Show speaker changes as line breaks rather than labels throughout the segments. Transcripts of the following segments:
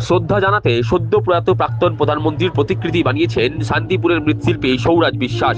শ্রদ্ধা জানাতে সদ্য প্রয়াত প্রাক্তন প্রধানমন্ত্রীর প্রতিকৃতি বানিয়েছেন শান্তিপুরের মৃৎশিল্পী সৌরাজ বিশ্বাস।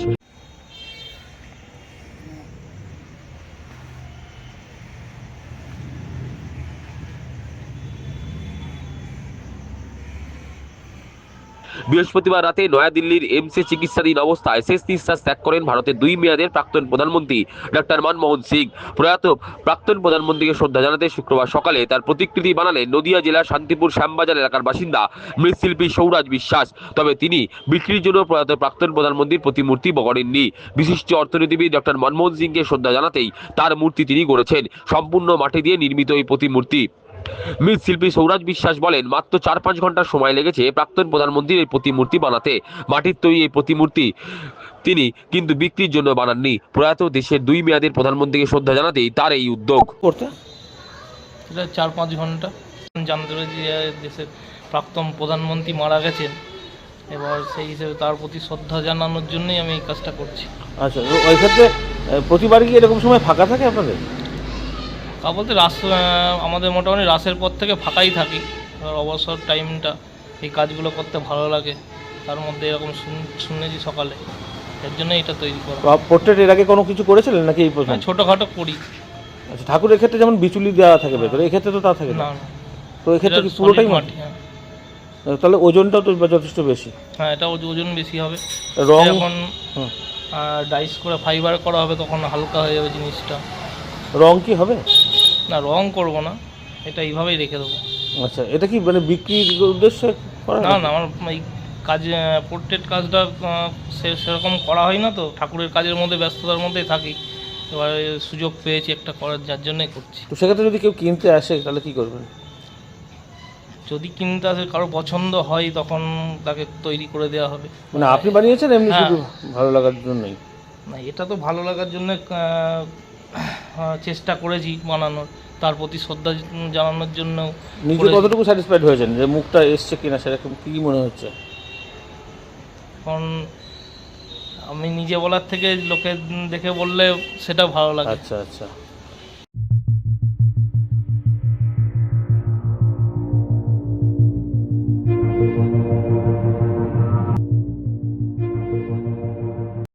বৃহস্পতিবার রাতে নয়াদিল্লির এমসে চিকিৎসাধীন অবস্থায় শেষ নিঃশ্বাস ত্যাগ করেন ভারতের 2 মেয়াদের প্রাক্তন প্রধানমন্ত্রী ডক্টর মনমোহন সিং। প্রয়াত প্রাক্তন প্রধানমন্ত্রীকে শ্রদ্ধা জানাতে শুক্রবার সকালে তার প্রতিকৃতি বানালেন নদিয়া জেলার শান্তিপুর শ্যামবাজার এলাকার বাসিন্দা মৃৎশিল্পী সৌরাজ বিশ্বাস। তবে তিনি বিক্রির জন্য প্রয়াত প্রাক্তন প্রধানমন্ত্রীর প্রতিমূর্তি গড়েননি। বিশিষ্ট অর্থনীতিবিদ ডক্টর মনমোহন সিংকে শ্রদ্ধা জানাতেই তার মূর্তি তিনি গড়েছেন। সম্পূর্ণ মাটি দিয়ে নির্মিত এই প্রতিমূর্তি। মৃৎশিল্পী সৌরাজ বিশ্বাস বলেন, মাত্র 4-5 ঘন্টা সময় লেগেছে প্রাক্তন প্রধানমন্ত্রীর এই প্রতিমূর্তি বানাতে। মাটির তৈরি এই প্রতিমূর্তি তিনি কিন্তু বিক্রির জন্য বানাননি। প্রয়াত দেশের 2 মেয়াদের প্রধানমন্ত্রীকে শ্রদ্ধা জানাতেই তার এই উদ্যোগ।
করতে
এটা 4-5 ঘন্টা জানতে পেরেছি যে দেশের প্রাক্তন প্রধানমন্ত্রী মারা গেছেন, এবার সেই হিসেবে তার প্রতি শ্রদ্ধা জানানোর জন্যই আমি এই কাজটা করছি।
আচ্ছা, ওই ক্ষেত্রে প্রতিবারই কি এরকম সময় ফাঁকা থাকে আপনাদের?
তা বলতে আমাদের মোটামুটি রাসের পর থেকে ফাঁকাই থাকি। এবার অবসর টাইমটা এই কাজগুলো করতে ভালো লাগে, তার মধ্যে এরকম শুনেছি সকালে, এর জন্য এটা তৈরি করা।
পোর্ট্রেট এর আগে কোনো কিছু করেছিলেন নাকি এই প্রথম?
ছোটোখাটো করি।
আচ্ছা, ঠাকুরের ক্ষেত্রে যেমন বিচুলি দেওয়া থাকে ভেতরে, এই ক্ষেত্রে তো তা থাকে না।
না,
তো এই ক্ষেত্রে কি পুরোটাই মাটি?
হ্যাঁ,
তাহলে ওজনটাও তো যথেষ্ট বেশি।
হ্যাঁ, এটা ওজন বেশি হবে।
রং
যখন ডাইস করে ফাইবার করা হবে তখন হালকা হয়ে যাবে জিনিসটা।
রং কি হবে?
না, রং করব না, এটা এইভাবেই রেখে দেবো।
আচ্ছা, এটা কি মানে বিক্রির উদ্দেশ্যে করা?
না না, আমার এই কাজ পোর্ট্রেট কাজটা সেরকম করা হয় না, তো ঠাকুরের কাজের মধ্যে ব্যস্ততার মধ্যেই থাকি। এবারে সুযোগ পেয়েছি একটা করার, যার জন্যই করছি।
তো সেক্ষেত্রে যদি কেউ কিনতে আসে তাহলে কি করবেন?
যদি কিনতে আসে, কারো পছন্দ হয়, তখন তাকে তৈরি করে দেওয়া হবে।
মানে আপনি বানিয়েছেন এমনি
হ্যাঁ।
শুধু ভালো লাগার জন্যই?
না, এটা তো ভালো লাগার জন্য চেষ্টা করেছি বানানোর, তার প্রতি শ্রদ্ধা জানানোর জন্য।
নিজে কতটুকু স্যাটিসফাইড হয়েছেন যে মুখটা এসছে কিনা, সেরকম কি মনে হচ্ছে?
এখন আমি নিজে বলার থেকে লোকে দেখে বললে সেটা ভালো লাগে।
আচ্ছা আচ্ছা।